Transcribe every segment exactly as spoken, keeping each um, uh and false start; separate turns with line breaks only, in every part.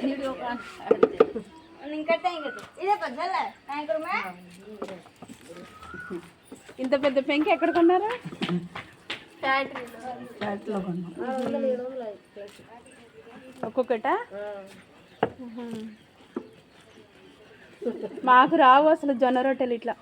ఇంత పెద్ద పెంకి ఎక్కడ కొన్నారా? ఒక్కొక్కట మాకు రావు అసలు జొన్న రొట్టెలు ఇట్లా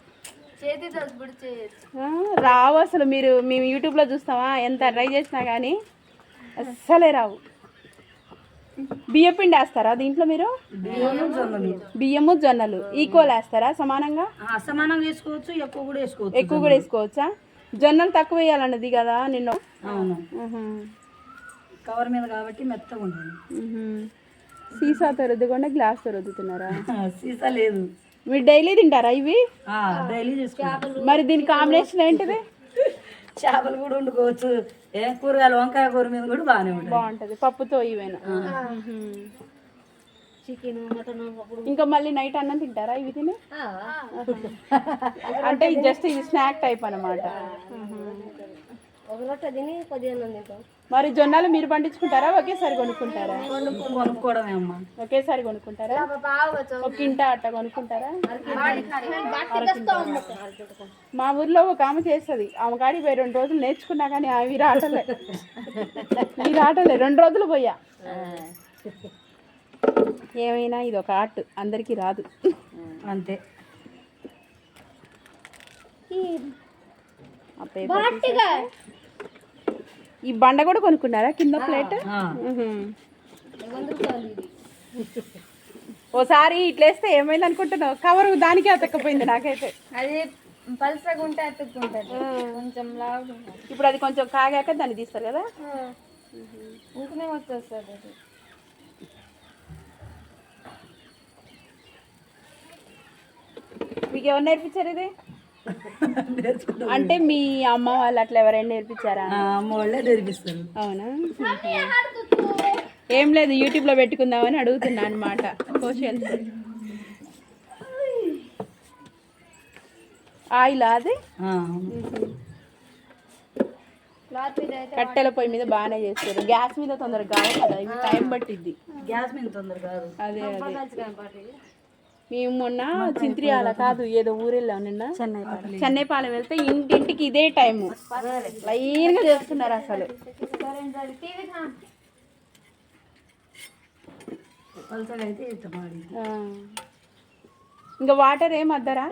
రావు అసలు. మీరు మేము యూట్యూబ్లో చూస్తామా, ఎంత ట్రై చేసినా కానీ అస్సలే రావు. బియ్యం పిండి వేస్తారా దీంట్లో మీరు? బియ్యము జొన్నలు ఈక్వల్ వేస్తారా? సమానంగా
సమానంగా వేసుకోవచ్చు, ఎక్కువ కూడా వేసుకోవచ్చు.
ఎక్కువ కూడా వేసుకోవచ్చా? జొన్నలు తక్కువ వేయాలన్నది కదా నిన్న.
అవును, కవర్ మీద కాబట్టి మెత్తగా ఉంటుంది.
సీసాతో రుద్దుకుండా గ్లాస్తో రుద్దుతున్నారా?
సీసా లేదు.
మీరు డైలీ తింటారా ఇవి?
డైలీ చేసుకుంటాం.
మరి దీని కాంబినేషన్ ఏంటిది?
చేపలు కూడా వండుకోవచ్చు, ఏ కూరగాయలు వంకాయ కూర మీద కూడా బాగానే ఉంటుంది.
బాగుంటుంది పప్పుతో ఇవేనా? Chicken mutton. ఇంకా మళ్ళీ నైట్ అన్నం తింటారా ఇవి తిని? అంటే జస్ట్ ఇది స్నాక్ టైప్ అన్నమాట. మరి జొన్నలు మీరు పండించుకుంటారా, ఒకేసారి కొనుక్కుంటారా?
కొనుక్కోవడమే అమ్మా.
ఒకేసారి కొనుక్కుంటారా? ఒక కింటా అట్ట కొనుక్కుంటారా? మా ఊర్లో ఒక ఆమె చేస్తుంది. ఆమె కాడికి పోయి రెండు రోజులు నేర్చుకున్నా కానీ అవి రాటలే ఇవి రాటలే రెండు రోజులు పోయా. ఏమైనా ఇది ఒక ఆర్ట్, అందరికీ రాదు
అంతే.
ఈ బండ కూడా కొనుక్కున్నారా కింద ప్లేట్? ఓసారి ఇట్లేస్తే ఏమైంది అనుకుంటున్నావు? కవర్ దానికి అతక్కపోయింది నాకైతే.
అది పల్సగా ఉంటే అతుక్కుంటుంది కొంచెం లావు.
ఇప్పుడు అది కొంచెం కాగాక దాన్ని తీస్తారు కదా,
ఇంకనే వచ్చేస్తుంది అది.
మీకు ఎవరు నేర్పించారు ఇది? అంటే మీ అమ్మ వాళ్ళు అట్లా ఎవరైనా నేర్పించారా?
అమ్మ వాళ్ళే నేర్పిస్తారు.
అవునా? ఏం లేదు, యూట్యూబ్లో పెట్టుకుందామని అడుగుతున్నా అనమాట క్వశ్చన్స్. ఆయిల్ అది కట్టెల పొయ్యి మీద బాగానే చేస్తారు. గ్యాస్ మీద తొందరగా కాదు కదా, ఇవి టైం పట్టిద్ది.
గ్యాస్ మీద తొందరగా కాదు. అదే
అదే మేము మొన్న చింత్రియాల కాదు ఏదో ఊరెళ్ళాం నిన్న, చెన్నైపాలెం వెళ్తే ఇంటింటికి ఇదే టైము లైన్గా చేస్తున్నారు అసలు. ఇంకా వాటర్ ఏం అద్దరా?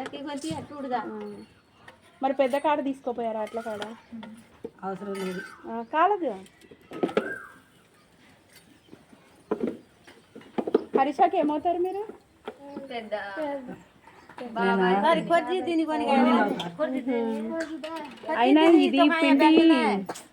మరి పెద్ద కాడ తీసుకోపోయారా? అట్లా కాడ
అవసరం లేదు,
కాలదు. హరిషాకి ఏమవుతారు మీరు? అయినా ఇది పిండి